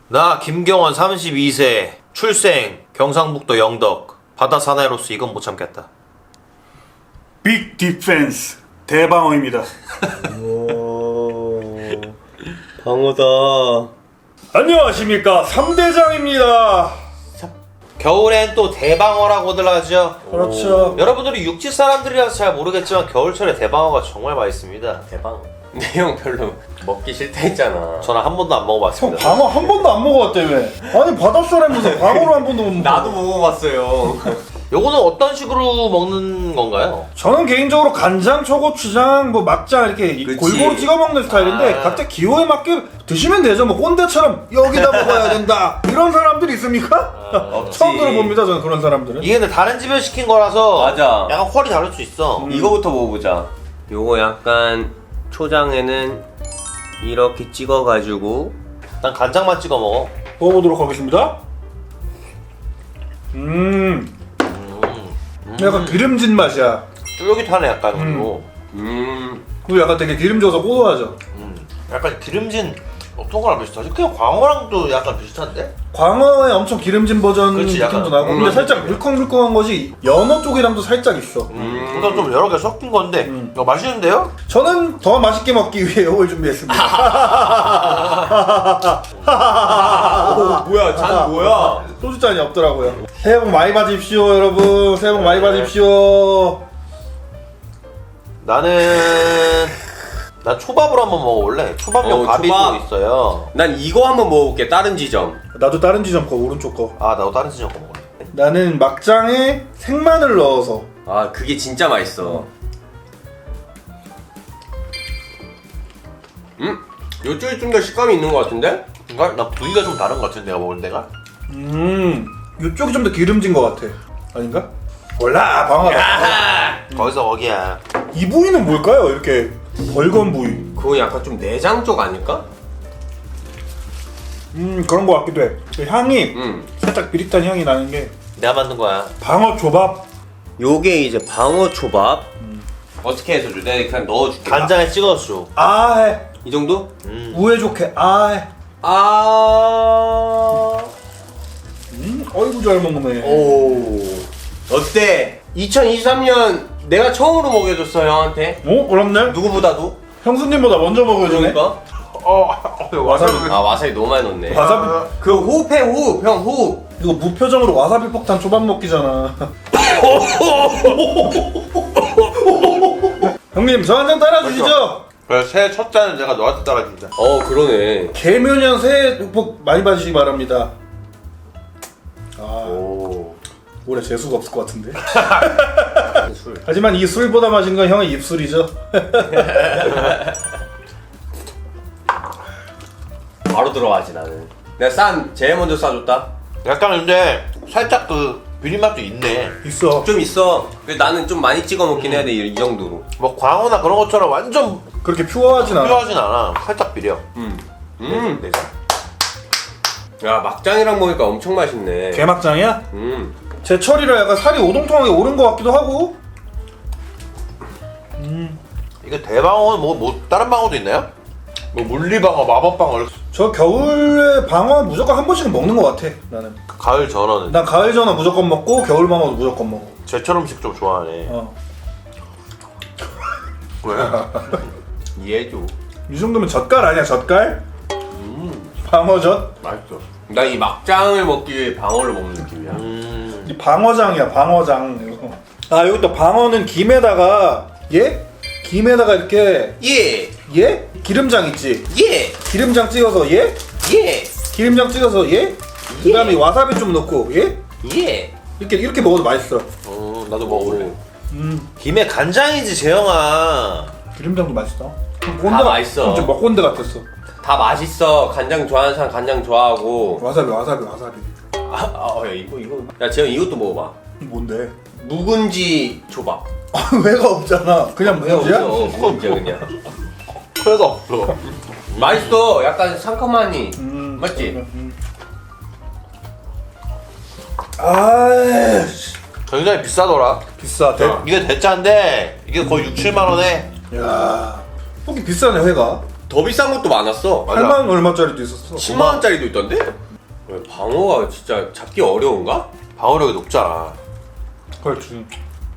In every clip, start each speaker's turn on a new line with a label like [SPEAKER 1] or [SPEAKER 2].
[SPEAKER 1] 나 김경원 32세 출생 경상북도 영덕 바다 사나이로서 이건 못 참겠다.
[SPEAKER 2] 빅 디펜스 대방어입니다.
[SPEAKER 3] 오, 방어다.
[SPEAKER 2] 안녕하십니까 3대장입니다.
[SPEAKER 1] 겨울엔 또 대방어라고들 하죠.
[SPEAKER 2] 그렇죠.
[SPEAKER 1] 여러분들이 육지 사람들이라서 잘 모르겠지만 겨울철에 대방어가 정말 맛있습니다.
[SPEAKER 3] 대방어. 근데 형 별로 먹기 싫다 했잖아.
[SPEAKER 1] 저는 한 번도 안
[SPEAKER 2] 형
[SPEAKER 1] 먹어봤습니다.
[SPEAKER 2] 방어 한 번도 안 먹어봤다며. 아니 바닷사람에서 방어를 한 번도 못 먹어.
[SPEAKER 3] 나도 먹어봤어요.
[SPEAKER 1] 요거는 어떤 식으로 먹는 건가요?
[SPEAKER 2] 저는 개인적으로 간장, 초고추장, 뭐 막장 이렇게
[SPEAKER 3] 그치.
[SPEAKER 2] 골고루 찍어 먹는 스타일인데
[SPEAKER 1] 아.
[SPEAKER 2] 각자 기호에 맞게 드시면 되죠. 뭐 꼰대처럼 여기다 먹어야 된다 이런 사람들이 있습니까?
[SPEAKER 3] 없지.
[SPEAKER 2] 처음 들어봅니다. 저는 그런 사람들은.
[SPEAKER 1] 이게 근데 다른 집에서 시킨 거라서
[SPEAKER 3] 맞아.
[SPEAKER 1] 약간 퀄이 다를 수 있어.
[SPEAKER 3] 이거부터 먹어보자. 요거 약간 초장에는 이렇게 찍어가지고
[SPEAKER 1] 난 간장만 찍어 먹어.
[SPEAKER 2] 먹어보도록 하겠습니다. 약간 기름진 맛이야.
[SPEAKER 1] 쫄깃하네 약간 그리고.
[SPEAKER 2] 그리고 약간 되게 기름져서 고소하죠.
[SPEAKER 1] 약간 기름진 어떤 거랑 비슷하지? 그냥 광어랑도 약간 비슷한데?
[SPEAKER 2] 광어의 엄청 기름진 버전
[SPEAKER 1] 그렇지,
[SPEAKER 2] 느낌도
[SPEAKER 1] 약간.
[SPEAKER 2] 나고 근데 살짝 물컹물컹한 것이 연어 쪽이랑도 살짝 있어.
[SPEAKER 1] 그러니까 좀 여러 개 섞인 건데 이거 맛있는데요?
[SPEAKER 2] 저는 더 맛있게 먹기 위해 이걸 준비했습니다.
[SPEAKER 3] 뭐야 잔 뭐야?
[SPEAKER 2] 소주잔이 없더라고요. 새해 복 많이 받으십시오 여러분. 새해 복 많이 받으십시오.
[SPEAKER 1] 난 초밥으로 한번 먹어볼래. 초밥용 밥이
[SPEAKER 3] 초밥.
[SPEAKER 1] 또 있어요.
[SPEAKER 3] 난 이거 한번 먹어볼게. 다른 지점.
[SPEAKER 2] 나도 다른 지점 거 오른쪽 거.
[SPEAKER 1] 아 나도 다른 지점 거 먹을래.
[SPEAKER 2] 나는 막장에 생마늘 넣어서.
[SPEAKER 3] 아 그게 진짜 맛있어. 요쪽이 좀 더 식감이 있는 것 같은데?
[SPEAKER 1] 그러니까 나 부위가 좀 다른 것 같은데 내가 먹을 때가.
[SPEAKER 2] 이쪽이 좀 더 기름진 것 같아. 아닌가? 몰라 방어다.
[SPEAKER 1] 거기서 거기야.
[SPEAKER 2] 이 부위는 뭘까요? 이렇게 벌건 부위.
[SPEAKER 3] 그거 약간 좀 내장 쪽 아닐까?
[SPEAKER 2] 그런 것 같기도 해. 그 향이 살짝 비릿한 향이 나는 게
[SPEAKER 1] 내가 만든 거야.
[SPEAKER 2] 방어 초밥.
[SPEAKER 3] 요게 이제 방어 초밥. 어떻게 해서 줘? 내가 그냥 넣어줄게.
[SPEAKER 1] 간장에 찍어서 줘.
[SPEAKER 2] 아해
[SPEAKER 3] 이 정도?
[SPEAKER 2] 우회 좋게 아해. 어이구 잘 먹네.
[SPEAKER 3] 오. 어때? 2023년 내가 처음으로 먹여줬어 형한테.
[SPEAKER 2] 어? 그렇네?
[SPEAKER 3] 누구보다도.
[SPEAKER 2] 형수님보다 먼저 먹어주네.
[SPEAKER 3] 그러니까.
[SPEAKER 2] 와사비.
[SPEAKER 3] 아 와사비 너무 많이 넣네.
[SPEAKER 2] 와사비.
[SPEAKER 3] 그 호흡해 호흡. 형 호흡.
[SPEAKER 2] 이거 무표정으로 와사비 폭탄 초밥 먹기잖아. 형님 저 한 잔 따라주시죠.
[SPEAKER 1] 그래 새해 첫 잔은 내가 너한테 따라준다.
[SPEAKER 3] 그러네.
[SPEAKER 2] 개묘년 새해 복 많이 받으시기 바랍니다.
[SPEAKER 3] 오.
[SPEAKER 2] 올해 재수가 없을 것 같은데.
[SPEAKER 3] 술.
[SPEAKER 2] 하지만 이 술보다 마신 건 형의 입술이죠.
[SPEAKER 3] 바로 들어가지 나는. 내가 제일 먼저 싸줬다.
[SPEAKER 1] 약간 근데 살짝 그 비린맛도 있네.
[SPEAKER 2] 있어.
[SPEAKER 3] 좀 있어. 근데 나는 좀 많이 찍어 먹긴 해야 돼 이 정도로.
[SPEAKER 1] 뭐 광어나 그런 것처럼 완전
[SPEAKER 2] 그렇게 퓨어하진 않아.
[SPEAKER 1] 필요하진 않아. 살짝 비려. 내장.
[SPEAKER 3] 야 막장이랑 먹으니까 엄청 맛있네.
[SPEAKER 2] 개막장이야?
[SPEAKER 3] 음.
[SPEAKER 2] 제철이라 약간 살이 오동통하게 오른 것 같기도 하고.
[SPEAKER 1] 이거 대방어는 뭐 다른 방어도 있나요? 뭐 물리방어, 마법방어.
[SPEAKER 2] 저 겨울에 방어 무조건 한 번씩은 먹는 것 같아. 나는.
[SPEAKER 1] 가을 전어는
[SPEAKER 2] 난 가을 전어 무조건 먹고 겨울 방어도 무조건 먹어.
[SPEAKER 1] 제철 음식 좀 좋아하네. 왜?
[SPEAKER 3] 이해해줘.
[SPEAKER 2] 이 정도면 젓갈 아니야 젓갈? 방어젓?
[SPEAKER 1] 맛있어.
[SPEAKER 3] 나 이 막장을 먹기 위해 방어를 먹는 느낌이야.
[SPEAKER 2] 이 방어장이야 방어장. 이거. 아 여기 또 방어는 김에다가 김에다가 이렇게
[SPEAKER 3] 예.
[SPEAKER 2] 기름장 있지?
[SPEAKER 3] 예.
[SPEAKER 2] 기름장 찍어서
[SPEAKER 3] 예.
[SPEAKER 2] 기름장 찍어서 그다음에 와사비 좀 넣고
[SPEAKER 3] 예.
[SPEAKER 2] 이렇게 먹어도 맛있어.
[SPEAKER 1] 나도 먹어볼래. 김에 간장이지 재영아.
[SPEAKER 2] 기름장도 맛있어.
[SPEAKER 3] 맛있어.
[SPEAKER 2] 좀 먹건데 같았어.
[SPEAKER 3] 다 맛있어. 간장 좋아하는 사람 간장 좋아하고.
[SPEAKER 2] 와사비.
[SPEAKER 3] 야 이거. 야 재영 이것도 먹어봐.
[SPEAKER 2] 뭔데?
[SPEAKER 3] 묵은지 초밥.
[SPEAKER 2] 왜가 없잖아. 그냥 묵은지야?
[SPEAKER 3] 묵은지야 그냥.
[SPEAKER 1] 회가 없어.
[SPEAKER 3] 맛있어. 약간 상큼하니. 맞지?
[SPEAKER 1] 굉장히 비싸더라.
[SPEAKER 2] 비싸.
[SPEAKER 1] 이게 대짜인데 이게 거의 6, 7만 원에.
[SPEAKER 2] 야, 혹시 비싸네 회가.
[SPEAKER 3] 더 비싼 것도 많았어.
[SPEAKER 2] 8만 원 얼마짜리도 있었어.
[SPEAKER 3] 10만 원짜리도 있던데? 왜 방어가 진짜 잡기 어려운가?
[SPEAKER 1] 방어력이 높잖아.
[SPEAKER 2] 그렇지.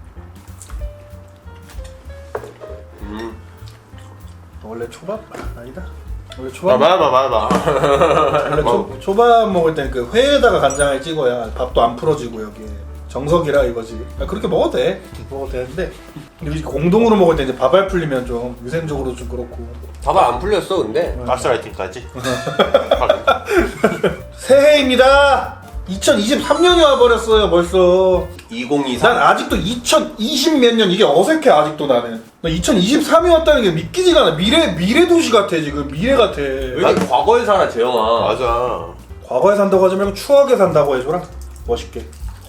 [SPEAKER 2] 원래 초밥 아니다. 원래 초밥
[SPEAKER 1] 봐봐.
[SPEAKER 2] 원래 초밥 먹을 때는 그 회에다가 간장을 찍어야 밥도 안 풀어지고 여기에 정석이라 이거지. 그렇게 먹어도 돼. 먹어도 되는데 우리 공동으로 먹을 때 이제 밥알 풀리면 좀 위생적으로 좀 그렇고.
[SPEAKER 3] 밥알 안 풀렸어 근데.
[SPEAKER 1] 가스라이팅까지.
[SPEAKER 2] 새해입니다. 2023년이 와버렸어요 벌써.
[SPEAKER 3] 2023.
[SPEAKER 2] 난 아직도 2020 몇 년 이게 어색해 아직도 나는. 나 2023이 왔다는 게 믿기지가 않아. 미래 도시 같아 지금. 미래 같아.
[SPEAKER 3] 왜 이렇게 과거에 살아 재영아.
[SPEAKER 1] 맞아.
[SPEAKER 2] 과거에 산다고 하지 말고 추억에 산다고 해줘라. 멋있게.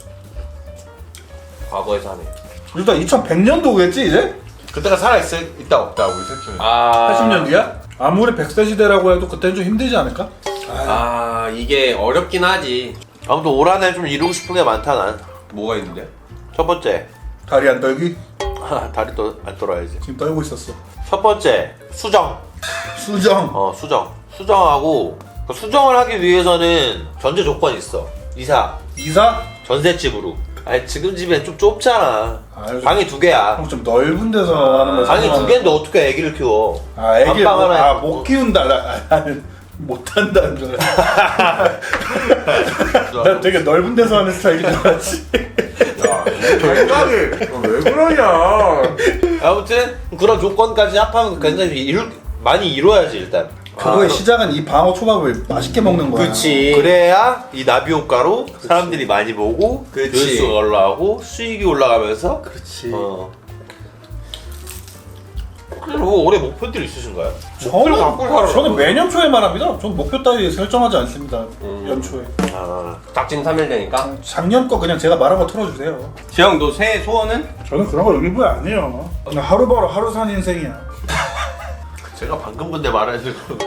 [SPEAKER 3] 과거에 사네.
[SPEAKER 2] 일단 2100년도겠지 이제?
[SPEAKER 1] 그때가 살아있을 있다 없다 우리 셋 중에.
[SPEAKER 2] 80년 뒤야? 아무리 100세 시대라고 해도 그때는 좀 힘들지 않을까?
[SPEAKER 3] 이게 어렵긴 하지.
[SPEAKER 1] 아무튼 올 한 해 좀 이루고 싶은 게 많다 난.
[SPEAKER 3] 뭐가 있는데?
[SPEAKER 1] 첫 번째.
[SPEAKER 2] 다리 안 떨기?
[SPEAKER 1] 다리 또 안 떨어야지.
[SPEAKER 2] 지금 떨고 있었어.
[SPEAKER 1] 첫 번째 수정.
[SPEAKER 2] 수정.
[SPEAKER 1] 수정하고 그 수정을 하기 위해서는 전제 조건이 있어. 이사. 전셋집으로. 아니 지금 집엔 좀 좁잖아.
[SPEAKER 2] 아유,
[SPEAKER 1] 방이 2개야.
[SPEAKER 2] 형 좀 넓은 데서 하는 거.
[SPEAKER 1] 방이 2개인데 어떻게 애기를 키워?
[SPEAKER 2] 애기를
[SPEAKER 1] 안방 하나에
[SPEAKER 2] 못 키운다. 나는 못한다는 줄 알았어. 난 되게 넓은 데서 하는 스타일인 줄 알았지.
[SPEAKER 3] 생각이 왜 그러냐?
[SPEAKER 1] 아무튼 그런 조건까지 합하면 굉장히 많이 이루어야지 일단.
[SPEAKER 2] 그거의 시작은 이 방어 초밥을 맛있게 먹는 거야.
[SPEAKER 3] 그치.
[SPEAKER 1] 그래야 이 나비 효과로 사람들이 많이 보고 조회수가 올라가고 수익이 올라가면서.
[SPEAKER 2] 그렇지.
[SPEAKER 1] 뭐 올해 목표들 있으신가요?
[SPEAKER 2] 저는 매년 초에 말합니다. 저는 목표 따위 설정하지 않습니다. 연초에.
[SPEAKER 3] 닥친 3일 되니까.
[SPEAKER 2] 작년 거 그냥 제가 말한 거 틀어주세요.
[SPEAKER 3] 재영 너 새해 소원은?
[SPEAKER 2] 저는 그런 거 일부러 안 해요. 그냥 하루바로 하루 산 인생이야.
[SPEAKER 1] 제가 방금 근데 말하는 거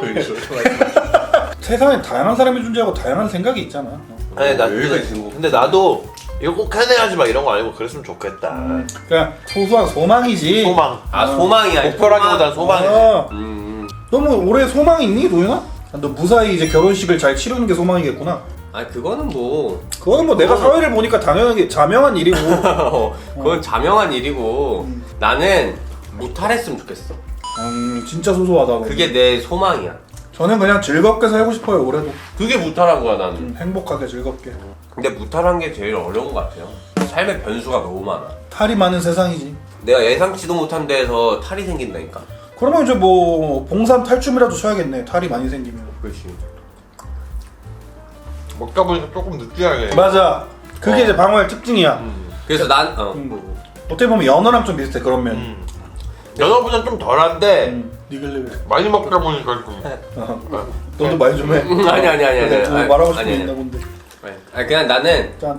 [SPEAKER 2] 세상에 다양한 사람이 존재하고 다양한 생각이 있잖아.
[SPEAKER 1] 아니 나
[SPEAKER 3] 여유가 있는 거.
[SPEAKER 1] 근데 나도 이거 꼭 해내야지 막 이런 거 아니고 그랬으면 좋겠다.
[SPEAKER 2] 그냥 소소한 소망이지.
[SPEAKER 1] 소망.
[SPEAKER 3] 소망이야.
[SPEAKER 1] 목표라기보단 소망이지.
[SPEAKER 2] 너무 올해 소망 있니 도윤아? 너 무사히 이제 결혼식을 잘 치르는 게 소망이겠구나.
[SPEAKER 3] 그거는 뭐
[SPEAKER 2] 그거는 뭐 내가 사회를 보니까 당연하게 자명한 일이고.
[SPEAKER 3] 그건 자명한 일이고 나는 무탈했으면 좋겠어.
[SPEAKER 2] 진짜 소소하다. 너는.
[SPEAKER 3] 그게 내 소망이야.
[SPEAKER 2] 저는 그냥 즐겁게 살고 싶어요 올해도.
[SPEAKER 3] 그게 무탈한 거야 나는.
[SPEAKER 2] 행복하게 즐겁게.
[SPEAKER 3] 근데 무탈한 게 제일 어려운 것 같아요. 삶의 변수가 너무 많아.
[SPEAKER 2] 탈이 많은 세상이지.
[SPEAKER 3] 내가 예상치도 못한 데에서 탈이 생긴다니까.
[SPEAKER 2] 그러면 이제 뭐 봉산 탈춤이라도 춰야겠네. 탈이 많이 생기면.
[SPEAKER 3] 그렇지.
[SPEAKER 1] 먹다 보니까 조금 느끼하게.
[SPEAKER 2] 맞아. 그게 이제 방어의 특징이야.
[SPEAKER 3] 그래서 난
[SPEAKER 2] 어떻게 보면 연어랑 좀 비슷해 그런 면.
[SPEAKER 1] 연어보다 좀 덜한데
[SPEAKER 2] 니글레벨.
[SPEAKER 1] 많이 먹다 보니까 좀.
[SPEAKER 2] 너도 말 좀 해.
[SPEAKER 3] 아니.
[SPEAKER 2] 뭐 말하고 싶은 게 있나 본데.
[SPEAKER 3] 그냥 나는
[SPEAKER 2] 짠.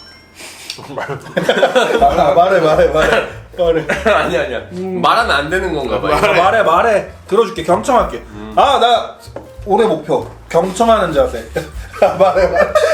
[SPEAKER 2] 말해.
[SPEAKER 3] 아니야. 말하면 안 되는 건가 봐.
[SPEAKER 2] 말해. 들어줄게. 경청할게. 나 올해 목표. 경청하는 자세. 말해.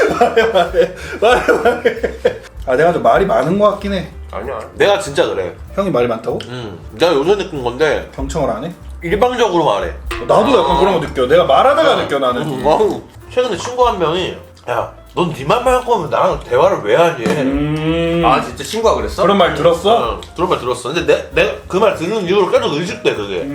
[SPEAKER 2] 내가 좀 말이 많은 것 같긴 해.
[SPEAKER 3] 아니야.
[SPEAKER 1] 내가 진짜 그래.
[SPEAKER 2] 형이 말이 많다고?
[SPEAKER 1] 내가 요새 느낀 건데
[SPEAKER 2] 경청을 안 해?
[SPEAKER 1] 일방적으로 말해.
[SPEAKER 2] 나도 약간 그런 거 느껴. 내가 말하다가 느껴 나는.
[SPEAKER 1] 최근에 친구 한 명이 넌 네 말만 할 거면 나랑 대화를 왜 하니?
[SPEAKER 3] 진짜 친구가 그랬어?
[SPEAKER 2] 그런 말 들었어?
[SPEAKER 1] 그런 말 들었어. 근데 내가 그 말 듣는 이후로 계속 의식돼 그게.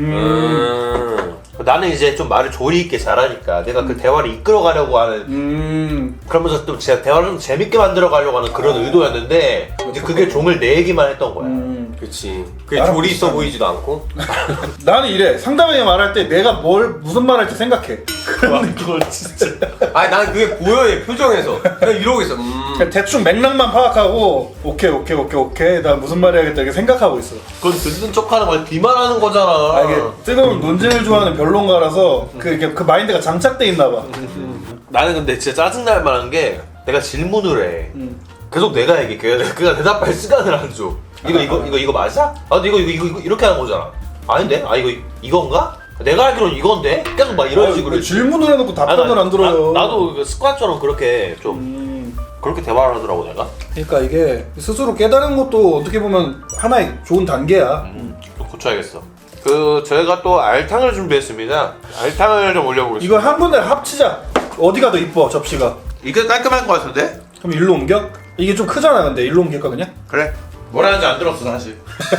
[SPEAKER 1] 나는 이제 좀 말을 조리 있게 잘하니까 내가 그 대화를 이끌어가려고 하는 그러면서 또 제가 대화를 좀 재밌게 만들어가려고 하는 그런 의도였는데 이제 그게 종을 내기만 했던 거야.
[SPEAKER 3] 그치. 그게 조리 있어 보이지도 않고.
[SPEAKER 2] 나는 이래. 상담에 말할 때 내가 무슨 말 할지 생각해. 그런 걸 진짜.
[SPEAKER 3] 난 그게 보여 얘 표정에서. 그냥 이러고 있어.
[SPEAKER 2] 그냥 대충 맥락만 파악하고 오케이 나 무슨 말 해야겠다 이렇게 생각하고 있어.
[SPEAKER 1] 그건 듣는 척하는 거야. 비만하는 거잖아.
[SPEAKER 2] 이게 뜨거운 논쟁을 좋아하는 변론가라서 그 마인드가 장착돼 있나 봐.
[SPEAKER 1] 나는 근데 진짜 짜증날 만한 게 내가 질문을 해. 계속 내가 얘기해. 그가 대답할 시간을 안 줘. 이거 맞아? 근데 이거 이렇게 하는 거잖아. 아닌데? 이건가? 내가 알기로는 이건데? 계속 막 이런 식으로.
[SPEAKER 2] 질문을 해놓고 답변을 안 들어요.
[SPEAKER 1] 나도 그 습관처럼 그렇게 좀 그렇게 대화를 하더라고 내가.
[SPEAKER 2] 그러니까 이게 스스로 깨달은 것도 어떻게 보면 하나의 좋은 단계야.
[SPEAKER 1] 좀 고쳐야겠어. 저희가 또 알탕을 준비했습니다. 알탕을 좀 올려보겠습니다.
[SPEAKER 2] 이거 한 군데 합치자. 어디가 더 이뻐 접시가?
[SPEAKER 1] 이게 깔끔할 것 같은데?
[SPEAKER 2] 그럼 일로 옮겨? 이게 좀 크잖아 근데 일로 옮길까 그냥?
[SPEAKER 1] 그래. 뭐라는지 안 들었어 사실.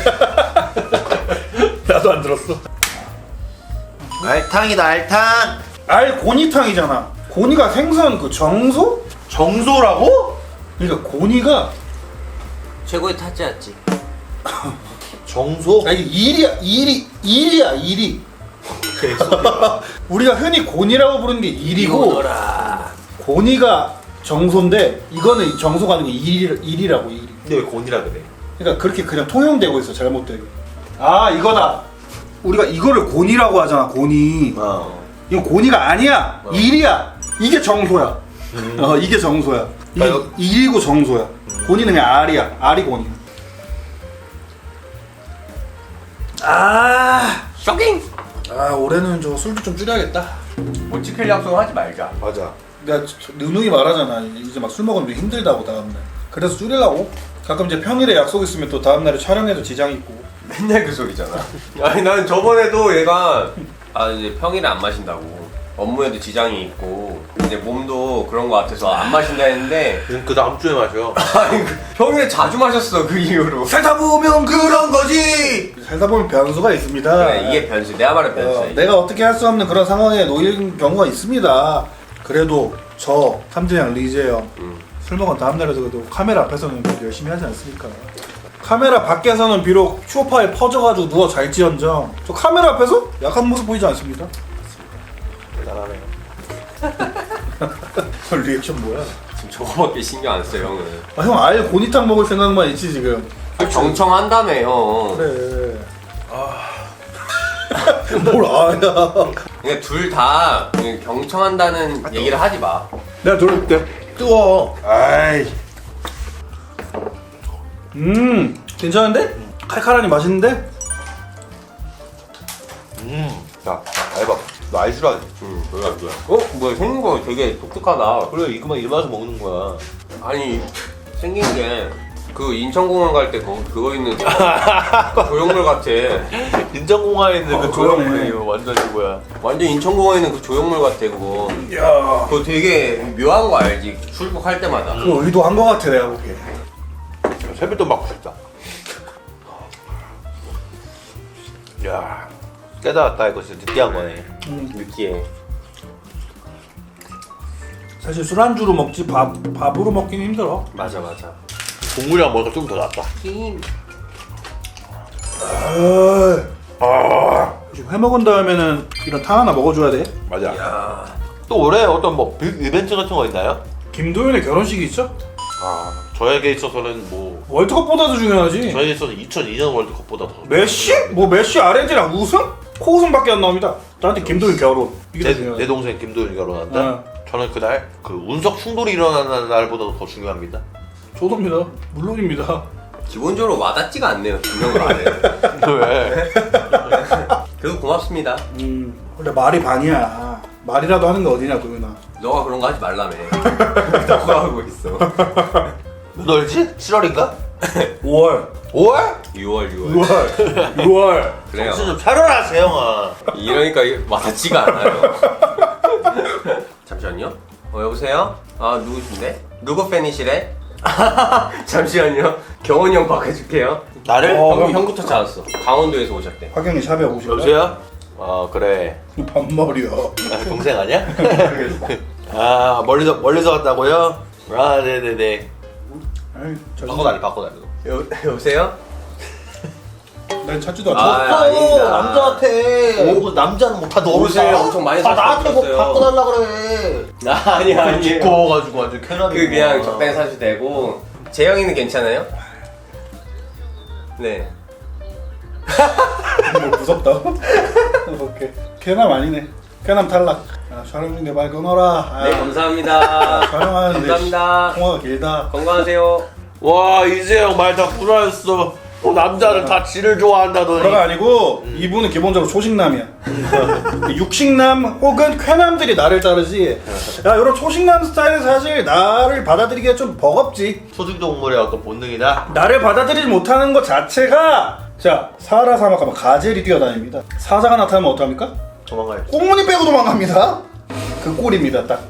[SPEAKER 2] 나도 안 들었어.
[SPEAKER 1] 알탕이다 알탕.
[SPEAKER 2] 알고니탕이잖아. 고니가 생선 그 정소?
[SPEAKER 1] 정소라고?
[SPEAKER 2] 그러니까 고니가
[SPEAKER 3] 최고의 타짜였지.
[SPEAKER 1] 정소?
[SPEAKER 2] 아니 일이야 일이. 우리가 흔히 고니라고 부르는 게 일이고 고니가 정소인데 이거는 정소가 아니고 일이라고 일이.
[SPEAKER 1] 근데 왜 곤이라 그래?
[SPEAKER 2] 그러니까 그렇게 그냥 통용되고 있어 잘못되게. 아 이거다. 우리가 이거를 고니라고 하잖아 고니. 이거 고니가 아니야. 일이야. 이게 정소야. 이게 정소야. 이게 일이고 정소야. 고니는 그냥 알이야. 알이 고니.
[SPEAKER 3] 쇼킹!
[SPEAKER 2] 아 올해는 저 술도 좀 줄여야겠다.
[SPEAKER 3] 못 지킬 약속은 하지 말자.
[SPEAKER 1] 맞아.
[SPEAKER 2] 내가 누누이 말하잖아. 이제 막 술 먹으면 힘들다고 다음날. 그래서 줄이려고. 가끔 이제 평일에 약속 있으면 또 다음날에 촬영해도 지장이 있고.
[SPEAKER 3] 맨날 그 소리잖아. 아니 난 저번에도 얘가 이제 평일에 안 마신다고. 업무에도 지장이 있고 이제 몸도 그런 거 같아서 안 마신다 했는데
[SPEAKER 1] 그 다음 주에 마셔.
[SPEAKER 3] 아니 평일에 자주 마셨어 그 이후로.
[SPEAKER 2] 살다 보면 그런 거지. 살다 보면 변수가 있습니다.
[SPEAKER 3] 그래, 이게 변수. 내가 말한 변수야.
[SPEAKER 2] 내가 어떻게 할 수 없는 그런 상황에 놓인 경우가 있습니다. 그래도 저 탐진양 리제 형 술 먹은 다음날에도 그래도 카메라 앞에서는 그래도 열심히 하지 않습니까? 카메라 밖에서는 비록 쇼파에 퍼져가지고 누워 잘지언정 저 카메라 앞에서 약한 모습 보이지 않습니다.
[SPEAKER 1] 대단하네요.
[SPEAKER 2] 저 리액션 뭐야?
[SPEAKER 3] 지금 저거밖에 신경 안 써 형은.
[SPEAKER 2] 아, 형 아예 고니탕 먹을 생각만 있지 지금.
[SPEAKER 3] 경청한다며 형.
[SPEAKER 2] 그래. 뭘 아야?
[SPEAKER 3] 그러니까 둘 다 경청한다는 얘기를 하지 마.
[SPEAKER 2] 내가 돌릴게.
[SPEAKER 1] 뜨거워.
[SPEAKER 2] 아이. 괜찮은데? 칼칼하니 맛있는데?
[SPEAKER 1] 야, 알바. 너 알줄 알지?
[SPEAKER 3] 뭐야 뭐야. 뭐야 생긴 거 되게 독특하다.
[SPEAKER 1] 그래, 이거만 일반에서 먹는 거야.
[SPEAKER 3] 아니 생긴 게 그 인천공항 갈 때 그거 있는 조형물 같아.
[SPEAKER 1] 인천공항에 있는 그
[SPEAKER 2] 그러네.
[SPEAKER 1] 조형물이 이거 완전 이거야.
[SPEAKER 3] 완전 인천공항에 있는 그 조형물 같아 그거.
[SPEAKER 2] 야.
[SPEAKER 3] 그거 되게 묘한 거 알지? 출국할 때마다.
[SPEAKER 2] 그거 의도한 거 같아 내가 보기에.
[SPEAKER 1] 세뱃돈 받고 싶다. 야, 깨달았다. 이거 진짜 느끼한 거네.
[SPEAKER 3] 느끼해.
[SPEAKER 2] 사실 술안주로 먹지 밥으로 먹긴 힘들어.
[SPEAKER 3] 맞아.
[SPEAKER 1] 국물이랑 먹으니까 좀 더 낫다.
[SPEAKER 2] 지금 회 먹은 다음에는 이런 탕 하나 먹어줘야 돼.
[SPEAKER 1] 맞아.
[SPEAKER 3] 야.
[SPEAKER 1] 또 올해 어떤 뭐 이벤트 같은 거 있나요?
[SPEAKER 2] 김도현의 결혼식이 있죠?
[SPEAKER 1] 저에게 있어서는 뭐
[SPEAKER 2] 월드컵보다도 중요하지.
[SPEAKER 1] 저에게 있어서는 2002년 월드컵보다 더
[SPEAKER 2] 메시? 뭐 메시 아르헨티나 우승? 코우승밖에 안 나옵니다. 나한테 김도현 결혼. 이게 더
[SPEAKER 1] 내
[SPEAKER 2] 중요하지.
[SPEAKER 1] 동생 김도현이 결혼한다.
[SPEAKER 2] 어.
[SPEAKER 1] 저는 그날 그 운석 충돌이 일어나는 날보다도 더 중요합니다.
[SPEAKER 2] 저도입니다. 물론입니다.
[SPEAKER 3] 기본적으로 와닿지가 않네요. 분명을 안 해.
[SPEAKER 1] 왜?
[SPEAKER 3] 그래도 고맙습니다.
[SPEAKER 2] 원래 말이 반이야. 말이라도 하는 게 어디냐 도현아.
[SPEAKER 3] 너가 그런 거 하지 말라며. 너가 하고 있어.
[SPEAKER 1] 너지? 7월인가?
[SPEAKER 2] 5월.
[SPEAKER 1] 5월?
[SPEAKER 3] 6월.
[SPEAKER 2] 6월.
[SPEAKER 3] 그래요.
[SPEAKER 1] 정신 좀 차려라 세영아.
[SPEAKER 3] 이러니까 와닿지가 않아요. 잠시만요. 여보세요? 누구신데? 누구 팬이시래? 잠시만요. 경원이 형 바꿔줄게요.
[SPEAKER 1] 나를?
[SPEAKER 3] 형부터 찾았어. 강원도에서 오셨대.
[SPEAKER 2] 화경이 샵에 오실래?
[SPEAKER 1] 여보세요? 그래.
[SPEAKER 2] 반말이야.
[SPEAKER 1] 동생 아니야? 멀리서 왔다고요? 네네네.
[SPEAKER 2] 아이,
[SPEAKER 1] 바꿔달래.
[SPEAKER 3] 여보세요?
[SPEAKER 2] 난 찾지도 않아.
[SPEAKER 3] 아닙니다.
[SPEAKER 1] 남자한테. 뭐 남자는 못하 너
[SPEAKER 3] 옷을 엄청 많이
[SPEAKER 1] 나한테 뭐
[SPEAKER 3] 사셨어요.
[SPEAKER 1] 바꿔달라 그래.
[SPEAKER 3] 아니야.
[SPEAKER 1] 두꺼워가지고 완전 캐나다.
[SPEAKER 3] 그냥 적당히 사셔도 되고. 재영이는 괜찮아요? 네.
[SPEAKER 2] 뭐 무섭다. 오케이. 개남 아니네. 개남 탈락. 촬영 중에 말 끊어라.
[SPEAKER 3] 네, 감사합니다.
[SPEAKER 2] 촬영하는데
[SPEAKER 3] 감사합니다.
[SPEAKER 2] 통화가 길다.
[SPEAKER 3] 건강하세요.
[SPEAKER 1] 와 이재영 말 다 불안했어. 남자는 다 지를 좋아한다더니.
[SPEAKER 2] 그가 아니고 이분은 기본적으로 초식남이야. 육식남 혹은 쾌남들이 나를 따르지. 야 이런 초식남 스타일은 사실 나를 받아들이기가 좀 버겁지.
[SPEAKER 1] 소중동물의 어떤 본능이다.
[SPEAKER 2] 나를 받아들이지 못하는 것 자체가 자, 사라 사막 가면 가젤이 뛰어다닙니다. 사자가 나타나면 어떡합니까?
[SPEAKER 1] 도망가야지.
[SPEAKER 2] 꽁무니 빼고 도망갑니다. 그 꼴입니다, 딱.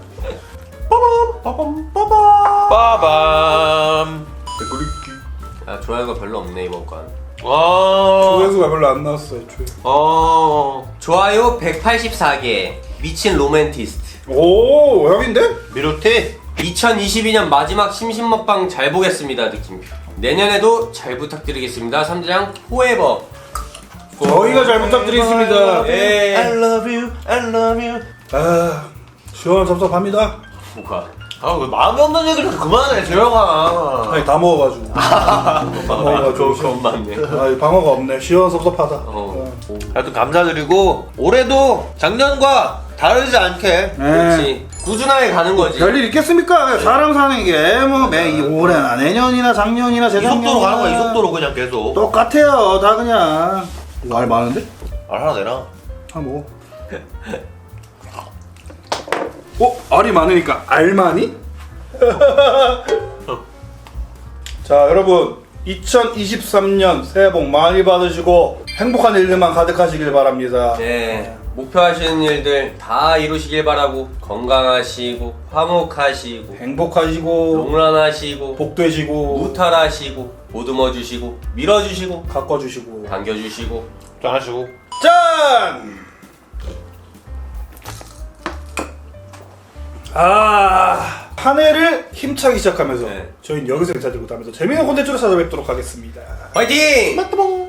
[SPEAKER 1] 빠밤.
[SPEAKER 3] 야, 좋아요가 별로 없네 이번 건.
[SPEAKER 2] 조회수가 별로 안 나왔어, 애초에.
[SPEAKER 3] 좋아요 184개. 미친 로맨티스트.
[SPEAKER 2] 오, 형인데?
[SPEAKER 1] 미로티.
[SPEAKER 3] 2022년 마지막 심심 먹방 잘 보겠습니다 느낌표. 내년에도 잘 부탁드리겠습니다. 3장 포에버.
[SPEAKER 2] 저희가 잘 부탁드리겠습니다.
[SPEAKER 3] 예.
[SPEAKER 1] I love you, I love you.
[SPEAKER 2] 아, 시원섭섭합니다.
[SPEAKER 3] 뭐가?
[SPEAKER 1] 왜 마음에 없는 얘기를 좀 그만해, 재영아.
[SPEAKER 2] 아니, 다 먹어가지고.
[SPEAKER 3] 그건 맞네.
[SPEAKER 2] 아, 방어가 없네. 시원섭섭하다.
[SPEAKER 1] 하여튼 감사드리고 올해도 작년과 다르지 않게
[SPEAKER 3] 그렇지. 꾸준하게 가는 거지.
[SPEAKER 2] 별일 있겠습니까? 사람 사는 게 뭐 매 올해나 내년이나 작년이나
[SPEAKER 1] 이
[SPEAKER 2] 재작년이나
[SPEAKER 1] 속도로 가는 거야, 이 속도로 그냥 계속.
[SPEAKER 2] 똑같아요. 다 그냥. 이거 알 많은데?
[SPEAKER 1] 알 하나 내놔.
[SPEAKER 2] 뭐. 알이 많으니까 알만이? 자, 여러분 2023년 새해 복 많이 받으시고 행복한 일들만 가득하시길 바랍니다.
[SPEAKER 3] 네. 목표하시는 일들 다 이루시길 바라고 건강하시고 화목하시고
[SPEAKER 2] 행복하시고
[SPEAKER 3] 롱런하시고
[SPEAKER 2] 복되시고
[SPEAKER 3] 무탈하시고 보듬어주시고 밀어주시고
[SPEAKER 2] 가꿔주시고
[SPEAKER 3] 당겨주시고
[SPEAKER 1] 짠하시고.
[SPEAKER 2] 짠! 한 해를 힘차게 시작하면서
[SPEAKER 3] 네.
[SPEAKER 2] 저희는 여기서 인사드리고 다음에서 재미있는 콘텐츠로 찾아뵙도록 하겠습니다.
[SPEAKER 3] 화이팅!
[SPEAKER 2] 빠뚜봉!